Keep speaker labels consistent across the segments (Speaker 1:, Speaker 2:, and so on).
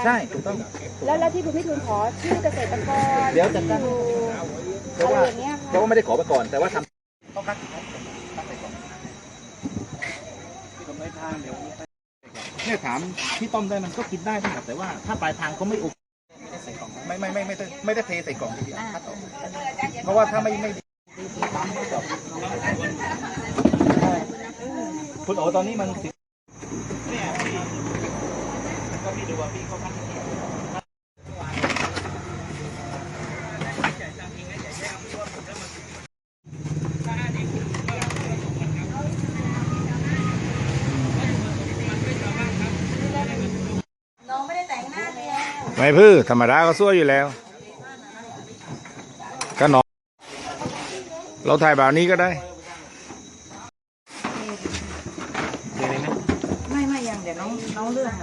Speaker 1: ใช่ถูกต้อง
Speaker 2: แล้วที่คุณพี่ทูลขอชื่อเกษตรกร
Speaker 1: เดี๋ยวจัดการ เพราะว่า
Speaker 2: อะไรอย่างเงี้ย
Speaker 1: เพราะว่าไม่ได้ขอมาก่อนแต่ว่าทำต้องคัดเนี่ยถามพี่ต้มได้มันก็กินได้ทั้งหมดแต่ว่าถ้าปลายทางเขาไม่อุไม่ได้เทใส่กล่องทีเดียวคัดออกเพราะว่าถ้าไม่คุณโอตอนนี้มันติดเนี่ยพี่ก็พี่ดูว่าพี่เขาคัดที่นี่
Speaker 3: ไม่พื้ธรรมดาก็สวยอยู่แล้วก็นอนเราถ่ายแบบนี้ก็ได้
Speaker 2: ไม่ยังเดี๋ยวน้องเลือก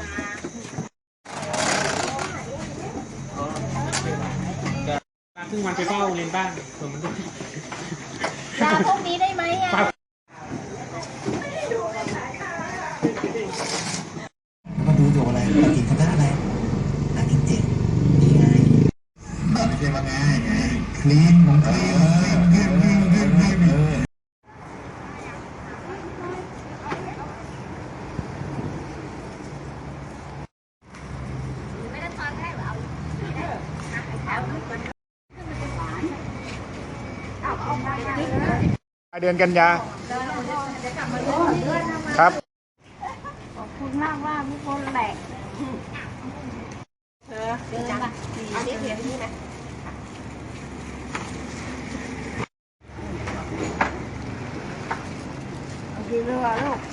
Speaker 4: ครึ่งวันไปเฝ้าเรียนบ้านส่วนมัน
Speaker 2: ลาพวกนี้ได้ไหมอ่ะ
Speaker 5: แล้วก็ดูอยู่อะไรปฏิคณะอะไรนักกินเจ็ดนี่ไงแบบไม่ใช่ว่าง่ายไงคลีนของคลีน
Speaker 3: เดือนกันยาครับ
Speaker 2: ขอบคุณมากว่าทุกคนแหละเดินมาเอาเดี๋ยวนี้นะกี่โลลูก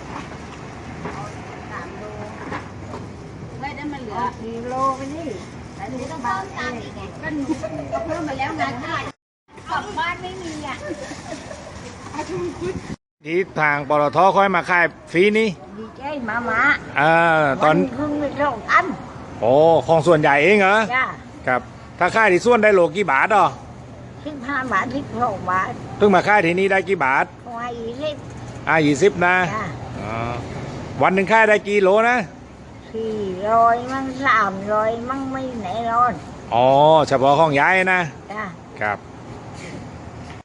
Speaker 2: 3 โลไม่ได้มันเหลือกี่โลไปนี่แต่นี่ต้องเพิ่มตามอีกไงก็เพิ่มมาแล้วงานง่ายกลับบ้านไม่มีอ่ะ
Speaker 3: ที่ทางปตทค่อยมาขายฟรีนี่
Speaker 2: ดีใจมา
Speaker 3: ตอน
Speaker 2: ครึ่งเป็น2 อัน
Speaker 3: โอ้ของส่วนใหญ่เองเหรอ
Speaker 2: จ้า
Speaker 3: ครับถ้าค่ายที่ส่วนได้โลกี่บาทอ่ะ
Speaker 2: 15 บาท16 บาท
Speaker 3: เพิ่งมาค่ายที่นี่ได้กี่บาท
Speaker 2: เขาให้
Speaker 3: 20นะวันหนึ่งค่ายได้กี่โลนะ
Speaker 2: 400 มั่ง300 มั่งไม่แน่นอน
Speaker 3: อ๋อเฉพาะของย้ายนะ
Speaker 2: จ้า
Speaker 3: ครับ